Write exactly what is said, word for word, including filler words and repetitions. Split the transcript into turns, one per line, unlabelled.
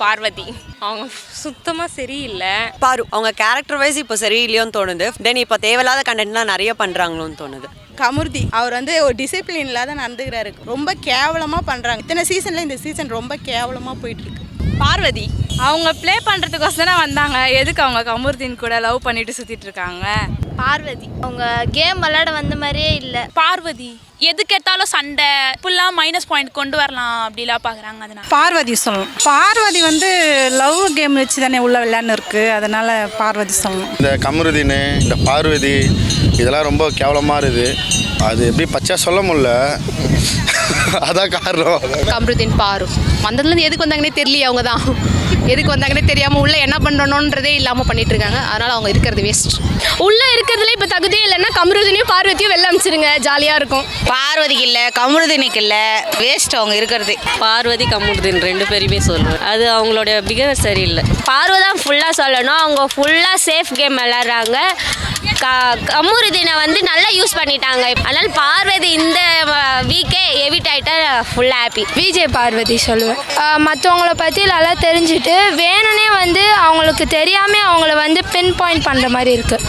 பார்வதி. அவங்க சுத்தமாக சரியில்லை.
பாரு அவங்க கேரக்டர் வைஸ் இப்போ சரியில்லையோன்னு தோணுது. தென் இப்போ தேவையில்லாத கண்டென்ட்லாம் நிறைய பண்ணுறாங்களோன்னு தோணுது.
கமுர்தி அவர் வந்து ஒரு டிசிப்ளின் இல்லாத நடந்துக்கிறாரு. ரொம்ப கேவலமாக பண்ணுறாங்க. இத்தனை சீசனில் இந்த சீசன் ரொம்ப கேவலமாக போயிட்டுருக்கு.
பார்வதி
அவங்க ப்ளே பண்ணுறதுக்கோசரம் வந்தாங்க. எதுக்கு அவங்க கமுர்தீன் கூட லவ் பண்ணிட்டு சுற்றிட்டு இருக்காங்க?
பார்வதி அவங்க கேம் விளையாட வந்த மாதிரியே இல்லை.
பார்வதி எதுக்கு எடுத்தாலும் சண்டை ஃபுல்லாக மைனஸ் பாயிண்ட் கொண்டு வரலாம் அப்படிலாம் பார்க்குறாங்க. அதனால்
பார்வதி சொல்லணும். பார்வதி வந்து லவ் கேம் வச்சு தானே உள்ள விளையாண்டு இருக்கு, அதனால பார்வதி சொல்லணும்.
இந்த கமருதீன் இந்த பார்வதி இதெல்லாம் ரொம்ப கேவலமாக இருக்குது. அது எப்படி பச்சை சொல்ல முடியல, அதான் காரணம்.
கமருதீன் பாரு வந்ததுலேருந்து எதுக்கு வந்தாங்கன்னே தெரியல. அவங்க தான் எதுக்கு வந்தாங்கன்னே தெரியாமல் உள்ளே என்ன பண்ணணுன்றதே இல்லாமல் பண்ணிட்டு இருக்காங்க. அதனால் அவங்க இருக்கிறது வேஸ்ட்.
உள்ளே இருக்கிறதுல இப்போ தகுதியே இல்லைன்னா கமருதீனையும் பார்வதியும் வெளில அனுப்பிச்சிருங்க, ஜாலியாக இருக்கும்.
பார்வதிக்கு இல்லை கமருதீனுக்கு இல்லை, வேஸ்ட் அவங்க இருக்கிறது.
பார்வதி கமுர்தீன் ரெண்டு பேருமே சொல்லுவேன். அது அவங்களோட பிஹேவியர் சரியில்லை.
பார்வதி தான் ஃபுல்லாக சொல்லணும். அவங்க ஃபுல்லாக சேஃப் கேம் விளையாடுறாங்க. க கமுருதீனை வந்து நல்லா யூஸ் பண்ணிட்டாங்க. அதனால் பார்வதி இந்த வீக்கே எவிட் ஆகிட்டா ஃபுல்லாக ஹாப்பி.
விஜய் பார்வதி சொல்லுவேன். மற்றவங்கள பற்றி நல்லா தெரிஞ்சுட்டு வேணும்னே வந்து அவங்களுக்கு தெரியாமல் அவங்கள வந்து பின் பாயிண்ட் பண்ணுற மாதிரி இருக்குது.